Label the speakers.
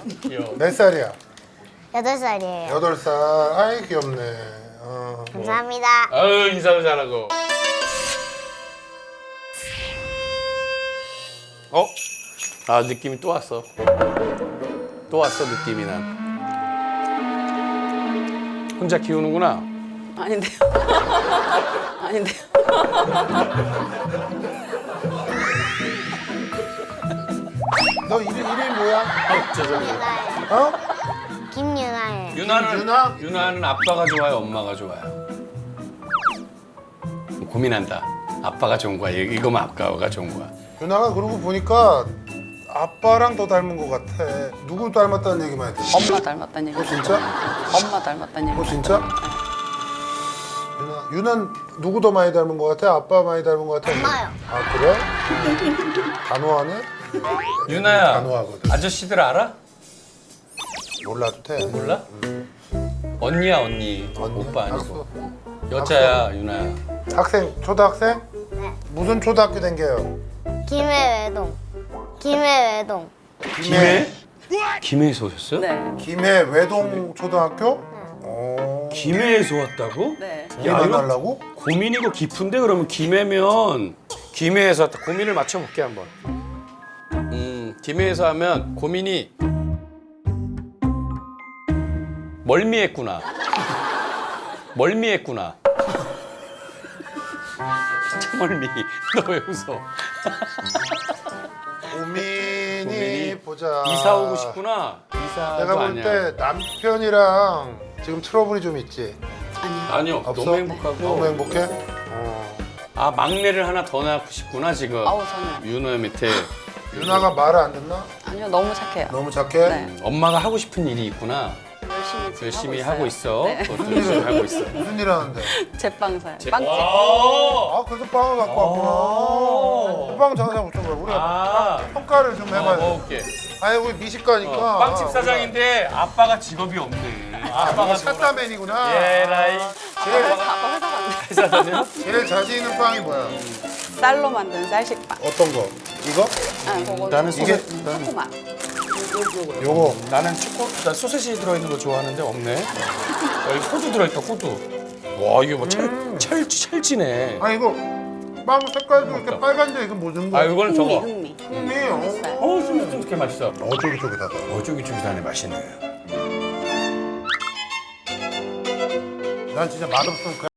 Speaker 1: 귀여워.
Speaker 2: 몇 살이야?
Speaker 3: 8살이에요.
Speaker 2: 8살. 아이 귀엽네.
Speaker 3: 감사합니다.
Speaker 1: 아유 인사도 잘하고. 어? 아 느낌이 또 왔어. 또 왔어 느낌이 난. 혼자 키우는구나.
Speaker 4: 아닌데요. 아닌데요.
Speaker 2: 너 이름이 뭐야?
Speaker 1: 아 죄송해요.
Speaker 3: 유나예요.
Speaker 2: 어?
Speaker 3: 김유나예요.
Speaker 1: 유나는 유나는 아빠가 좋아요, 엄마가 좋아요. 고민한다. 아빠가 좋은 거야. 이거면 아빠가 좋은 거야.
Speaker 2: 유나가 그러고 보니까 아빠랑 더 닮은 것 같아. 누구 닮았다는 얘기만 했지?
Speaker 4: 엄마 닮았다는 얘기.
Speaker 2: 진짜?
Speaker 4: 엄마 닮았다는 얘기.
Speaker 2: 진짜? 유나는 누구 더 많이 닮은 것 같아? 아빠 많이 닮은 것 같아?
Speaker 3: 엄마요.
Speaker 2: 아 그래? 단호하네?
Speaker 1: 유나야,
Speaker 2: 단호하거든.
Speaker 1: 아저씨들 알아?
Speaker 2: 몰라도 돼.
Speaker 1: 몰라? 언니야 언니.
Speaker 2: 언니?
Speaker 1: 오빠 아니고.
Speaker 2: 학수.
Speaker 1: 여자야 유나야.
Speaker 2: 학생, 초등학생?
Speaker 3: 네.
Speaker 2: 무슨 초등학교 댕겨요?
Speaker 3: 김해외동. 김해외동.
Speaker 1: 김해? 김해에서 오셨어요?
Speaker 4: 네.
Speaker 2: 김해 외동 초등학교?
Speaker 1: 김해에서 왔다고?
Speaker 4: 네.
Speaker 2: 일
Speaker 1: 야,
Speaker 2: 안
Speaker 1: 이거
Speaker 2: 하려고?
Speaker 1: 고민이고 깊은데 그러면 김해면 김해에서 왔다. 고민을 맞춰볼게 한번. 김해에서 하면 고민이 멀미했구나. 멀미했구나. 진짜 멀미. 너 왜 웃어?
Speaker 2: 고민이 보자.
Speaker 1: 이사 오고 싶구나. 이사도
Speaker 2: 내가 볼
Speaker 1: 아니야.
Speaker 2: 때 남편이랑 지금 트러블이 좀 있지?
Speaker 4: 아니요.
Speaker 1: 아니요.
Speaker 2: 없어?
Speaker 1: 너무 행복하고.
Speaker 2: 너무 행복해?
Speaker 1: 아 막내를 하나 더 낳고 싶구나 지금.
Speaker 4: 아우 저는
Speaker 1: 윤호 밑에
Speaker 2: 유나가 말을 안 듣나?
Speaker 4: 아니요 너무 착해요.
Speaker 2: 너무 착해?
Speaker 4: 네.
Speaker 1: 엄마가 하고 싶은 일이 있구나.
Speaker 4: 열심히 지금
Speaker 1: 열심히
Speaker 4: 하고
Speaker 1: 하고 있어.
Speaker 4: 네.
Speaker 1: 그것도 열심히 하고 있어.
Speaker 2: 무슨 일 하는데?
Speaker 4: 제빵사요. 빵집.
Speaker 1: 와.
Speaker 2: 아 그래서 빵을 갖고 왔구나. 그 빵 장사 못한 거야. 우리가
Speaker 1: 아.
Speaker 2: 평가를 좀 해봐야 돼.
Speaker 1: 먹을게.
Speaker 2: 아니 우리 미식가니까.
Speaker 1: 빵집 사장인데 아빠가 직업이 없네.
Speaker 2: 아빠가 샷다맨이구나.
Speaker 1: 예라이.
Speaker 2: 제일,
Speaker 4: 아빠 회사 갔네.
Speaker 1: 회사 다녀?
Speaker 2: 제일 자신 있는 빵이 뭐야?
Speaker 4: 쌀로 만든 쌀식빵.
Speaker 2: 어떤 거? 이거?
Speaker 4: 아, 그거
Speaker 1: 나는
Speaker 2: 이게-
Speaker 4: 초코맛.
Speaker 2: 요거.
Speaker 1: 나는 나 소세지 들어있는 거 좋아하는데 없네. 여기 호두 들어있다 호두. 와 이게 뭐 찰지네.
Speaker 2: 아 이거 빵 색깔도 이렇게 빨간데 이거 무슨 거야?
Speaker 1: 아 이거는 저거.
Speaker 4: 흥미.
Speaker 2: 흥미.
Speaker 1: 쫀득쫀득해 맛있어.
Speaker 2: 쫄깃쫄깃하다.
Speaker 1: 쫄깃쫄깃하네 맛있네.
Speaker 2: 난 진짜 맛없으면